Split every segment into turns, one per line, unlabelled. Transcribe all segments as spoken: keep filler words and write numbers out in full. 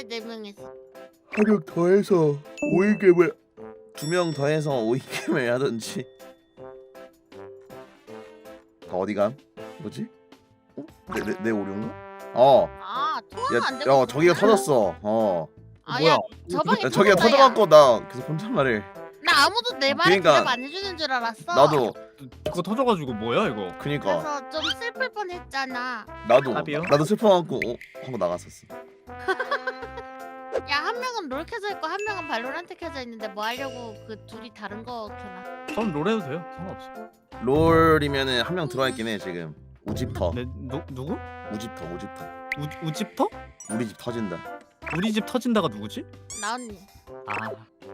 네 명이서.
한 명 더해서 오인겜을 두 명 더해서 오인겜을 하든지. 다 어디 감? 뭐지? 어? 내, 내, 내 오류인가? 어.
아 통화가
야,
안 되고.
야 저기가 터졌어. 어.
아,
뭐야?
야, 저 방에
야, 저기가 터져갖고 나 계속 혼잣말을.
나 아무도 내 말에
그러니까
대답 안 해주는 줄 알았어.
나도.
그거 터져가지고 뭐야 이거?
그니까
그래서 좀 슬플 뻔했잖아.
나도
답이요?
나도 슬퍼갖고 어? 하고 나갔었어.
야 한 명은 롤 켜져 있고 한 명은 발로란트 켜져 있는데 뭐 하려고 그 둘이 다른 거 켜나?
전 롤해도 돼요. 상관없어.
롤이면은 한 명 들어와 있긴 해 지금. 우집터.
네, 누 누구?
우집터 우집터.
우 우집터?
우리 집 터진다.
우리 집 터진다가 누구지?
나 언니.
아.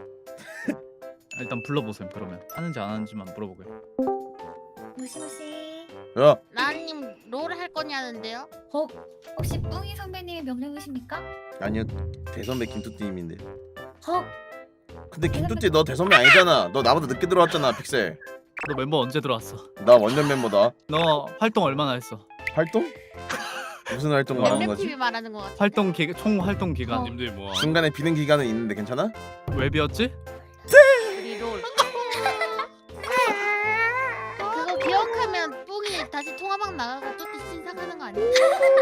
일단 불러보세요. 그러면 하는지 안 하는지만 물어보게.
무시무시.
야
나님 롤 할 거냐는데요?
어? 혹시 뿡이 선배님의 명령이십니까?
아니요 대선배 김뚜띠님인데.
헉.
근데 김뚜띠 너 대선배 아니잖아. 너 나보다 늦게 들어왔잖아 픽셀.
너 멤버 언제 들어왔어?
나 원년 멤버다.
너 활동 얼마나 했어?
활동? 무슨 활동 말하는 거지?
엠엠티비 말하는 거 같아.
활동 기, 총 활동 기간
어.
님들 뭐
중간에 비는 기간은 있는데 괜찮아?
웹이었지?
우리 롤. 그거 기억하면 뿡이 다시 통화방 나가고 또 신상하는 거 아니야?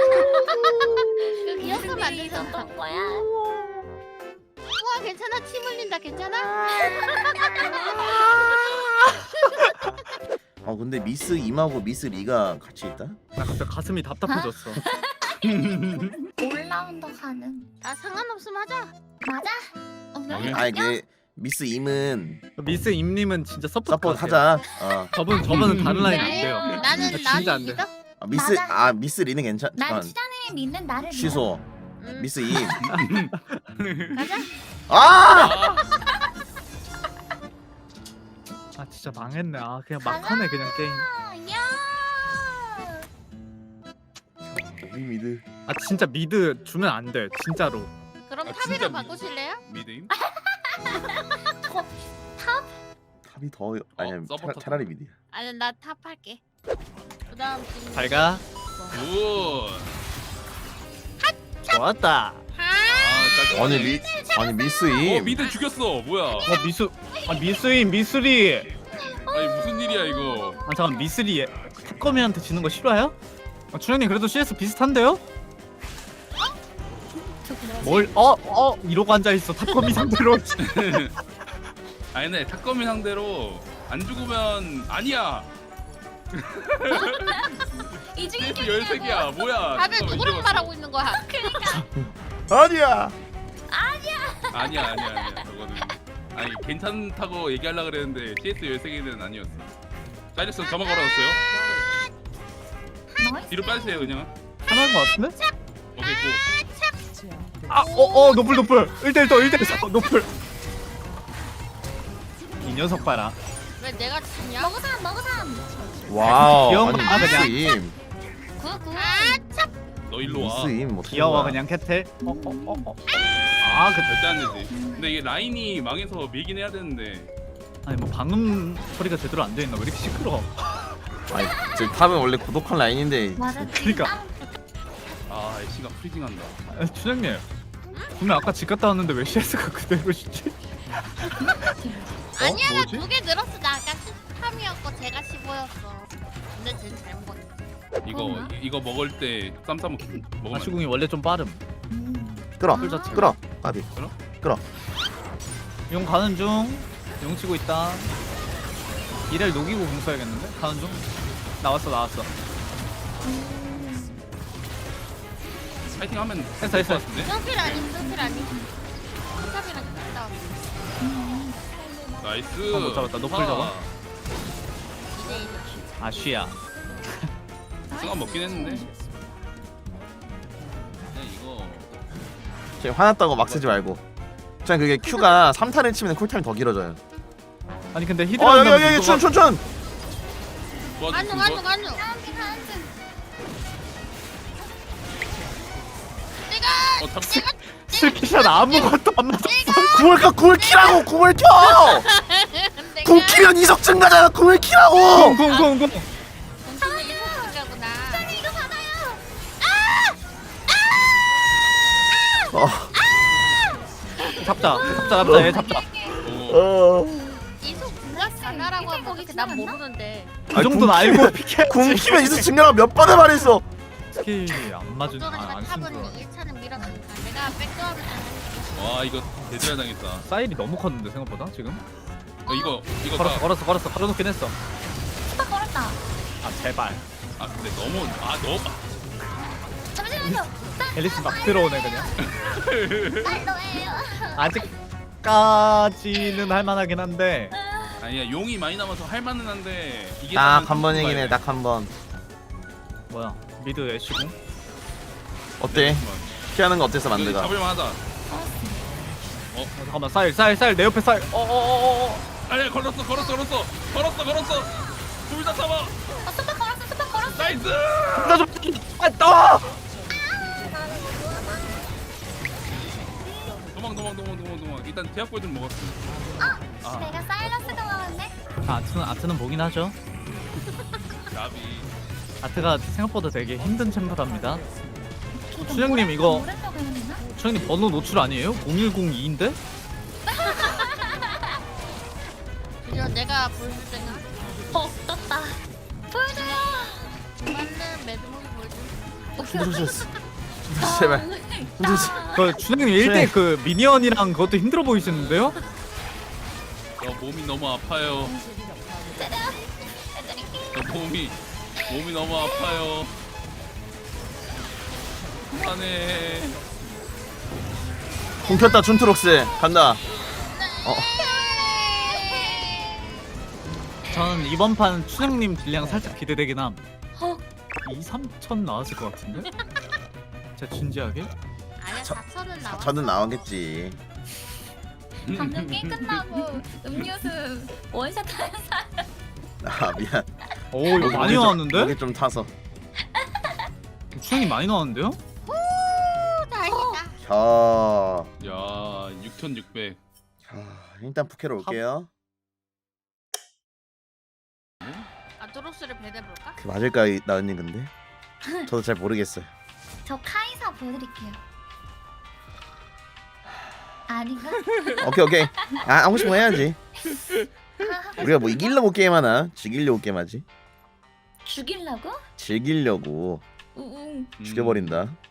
그거 기억하면 안 되잖아.
있었던 거야?
뿡아 괜찮아? 침 흘린다 괜찮아?
어 근데 미스 임하고 미스 리가 같이 있다?
나 갑자기 가슴이 답답해졌어.
올라운더 가능.
아 상관없으면 하자.
맞아? 없는
오케이.
아니 그 미스 임은
미스 임님은 진짜 서포트
서포트
하세요.
하자. 어.
저분 저분은 다른 라인 안
네.
돼요.
나는
아, 진짜
나는
안 돼.
믿어?
아, 미스
맞아.
아 미스 리는 괜찮.
난
잠깐
추자님이 믿는 나를
취소.
음,
미스 임.
가자.
아!
아 진짜 망했네. 아 그냥 막 하네 그냥 게임.
믿어. 야.
우리 미드.
아 진짜 미드 주면 안 돼. 진짜로.
그럼
아,
탑이랑
진짜
바꾸실래요?
미드임?
탑이 더 아니야
서포터
차,
탑.
차라리 미드야.
아니 나 탑 할게. 그다음 지금
잘 가.
굿.
좋았다.
하.
아, 짤-
아니 미 아니 미스
어
임.
미드 죽였어. 뭐야?
어 미수. 아 미스임 미스리.
아니 무슨 일이야 이거?
아 잠깐 미스리 탑거미한테 지는 거 싫어요? 아, 준영님 그래도 씨에스 비슷한데요? 뭘? 어? 어? 이러고 앉아있어 탑거미 상대로.
아니 근데 탁검이 상대로 안 죽으면 아니야.
이 중에
씨에스 열세 개야. 뭐야?
다들
잠깐만,
누구랑
이래봤어.
말하고 있는 거야?
아니야.
아니야 아니야 아니야. 저거는 아니 괜찮다고 얘기하려 그랬는데 씨에스 열세 개는 아니었어. 사이러스 저만 걸어놨어요.
나이스.
뒤로 빠지세요 그냥.
하나인 거 같은데?
오케이 고.
아! 어! 어! 노플 노플! 일 대 일 더 일 대 일 더 노플! 이 녀석 봐라.
왜 내가 지냐?
먹으삼 먹으삼.
와우.
귀여운
아니
거
미스
그냥.
임.
굿굿.
너 일로 와.
미스 임 뭐.
귀여워 그냥 캐틀. 어? 어? 어? 어? 아 그...
절대 안 되지. 근데 이게 라인이 망해서 밀긴 해야 되는데.
아니 뭐 방음 처리가 제대로 안 돼 있나? 왜 이렇게 시끄러워?
아니 저 탑은 원래 고독한 라인인데.
맞아.
그러니까.
아 애쉬가 프리징한다.
아, 추장님 분명 아까 집 갔다 왔는데 왜 씨에스가 그대로시지?
아니야 나
뭐지?
두 개 늘었어. 나 아까 십삼이었고 제가 십오였어. 근데 쟤는 잘 먹었네.
이거
그런가?
이- 이거 먹을 때 쌈싸 먹 먹으면 안 돼.
아시궁이 원래 좀 빠름.
음.
끌어.
술 자체.
끌어. 까비.
용 가는 중. 용 치고 있다. 이를 녹이고 공 써야겠는데? 가는 중. 나왔어 나왔어.
파이팅 하면
했어, 했어.
될것 같은데?
서필 아니 서필 아니. 탑이랑 갔다 왔어.
나이스.
아, 못 잡았다. 노플 잡아.
이제 이제.
아 쉬야.
승환 먹긴 했는데. 그냥 이거
저 화났다고 막 쓰지 말고. 그냥 그게 Q가 삼 탄을 치면 쿨타임 더 길어져요.
아니 근데
어
히드라
여기 여기 여기 춘춘춘.
도와줄
간주
수
간주
있어?
간주.
한지 한지.
내가
어 잡.
스킬샷 아무것도 안 맞았어.
구월 켜 구월 키라고 구월 켜.
내가
공 키면 이석 증가잖아. 구월 키라고.
쿵쿵쿵쿵.
공주는 이석이구나.
이거 받아요.
어.
잡자 잡자 잡자 얘 잡자.
어.
어.
이속 블라스 하나라고 하면 어떻게 난 모르는데.
그
아니,
정도는
굶기면-
알고 피케.
굶기면 이수 증명을 몇 번을 말했어.
스킬이 안 맞은
걱정하지 마.
아안 쓴
탑은
거야.
일 차는 밀어간다. 내가 백도어를
와 이거 대잘 당했다.
사일이 너무 컸는데 생각보다 지금.
어, 이거 이거
걸었어
다.
걸었어 걸었어 걸어놓긴 했어.
스파 걸었다.
아 제발.
아 근데 너무 아 너무.
잠시만요.
앨리스 막 들어오네 그냥.
날 너예요.
아직까지는 할만하긴 한데.
아니야 용이 많이 남아서 할만은 한데 이게
딱 한 번이긴 해. 딱 한 번.
뭐야 미드 애쉬고.
어때? 피하는 거 어땠어 만드가?
잡을만하다.
어, 잠깐만 사일 사일 사일 내 옆에 사일. 어어어어.
아니야 걸었어 걸었어 걸었어 걸었어 걸었어. 둘 다 잡아.
어, 스파 걸었어. 스파 걸었어.
나이스.
나좀 아, 떠!
도망 도망 도망 도망 도망. 일단 제약골 좀 먹었어. 아
내가 사일러스가 나왔네.
아트는 아트는 보긴 하죠.
나비.
아트가 생각보다 되게 힘든 챔프랍니다. 춘향님 이거
모르려고 했나?
춘향님 번호 노출 아니에요? 공일공이인데?
이거 내가 보여줄 때는
어, 떴다. 보여줘요.
맞는 매드목이 보여줄.
힘들어졌어. 힘들어졌어 제발. 힘들어졌어.
그 춘향님 일 대 그 미니언이랑 그것도 힘들어 보이시는데요?
어, 몸이 너무 아파요. 어, 몸이 몸이 너무 아파요. 그만해.
공켰다 춘트록스 간다. 어.
저는 이번 판 춘향님 딜량 살짝 기대되긴 함.
어.
이, 삼천 나왔을 것 같은데? 진짜 진지하게?
아니야
저-
사천은 나와.
저는 나오겠지.
방금 게임 끝나고 음료수 원샷 하는 사람.
아 미안.
오 이거
목이
많이
좀-
나왔는데?
목이 좀 타서.
춘향님 많이 나왔는데요?
오, 다행이다.
자,
야 육천육백.
자 일단 부캐로 올게요.
아토로스를 배내볼까?
그 맞을까 이- 나은님 근데? 저도 잘 모르겠어요.
저 카이사 보여드릴게요. 아닌가?
오케이 오케이. 아 하고 싶은 거 해야지. 우리가 뭐 이기려고 게임하나? 즐기려고 게임하지?
죽이려고?
즐기려고
우웅.
음.
죽여버린다.